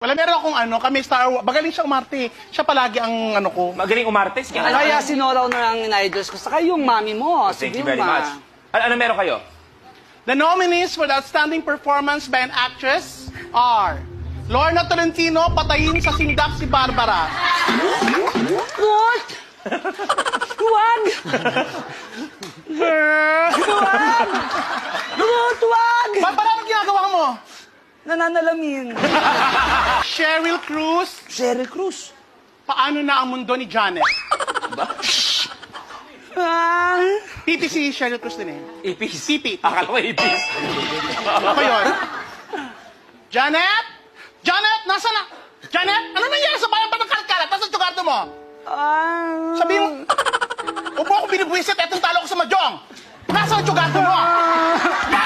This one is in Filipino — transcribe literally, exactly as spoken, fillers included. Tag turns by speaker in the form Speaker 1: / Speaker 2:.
Speaker 1: Wala, meron akong ano, kami Star Wars. Magaling siya umarte. Siya palagi ang ano ko.
Speaker 2: Magaling umarte. Sige, ano,
Speaker 3: Kaya
Speaker 2: ano,
Speaker 3: sinolaw na lang in-idols ko. Saka yung mami mo.
Speaker 2: Thank
Speaker 3: si
Speaker 2: you very
Speaker 3: Vilma.
Speaker 2: much. Ano, ano meron kayo?
Speaker 1: The nominees for the outstanding performance by an actress are Lorna Tolentino, patayin sa sindak si Barbara.
Speaker 3: What? Huwag! Huwag! Huwag! Huwag!
Speaker 1: Barbara, anong ginagawa mo?
Speaker 3: Nananalamin.
Speaker 1: Cheryl Cruz,
Speaker 3: Sheryl Cruz.
Speaker 1: paano na ang mundo ni Janet?
Speaker 3: Ah,
Speaker 1: P P si Cheryl Cruz din eh.
Speaker 2: Ipis.
Speaker 1: Sipit.
Speaker 2: Akala ko ipis.
Speaker 1: Ako yun. Janet? Janet, nasa na? Janet, ano nangyari sa bayan pa ng kalat-kalat? Nasa tsugarto mo?
Speaker 3: ah.
Speaker 1: Sabi mo, huwag mo ako binibwisit, etong talo ko sa Mahjong. Nasa ang tsugarto mo?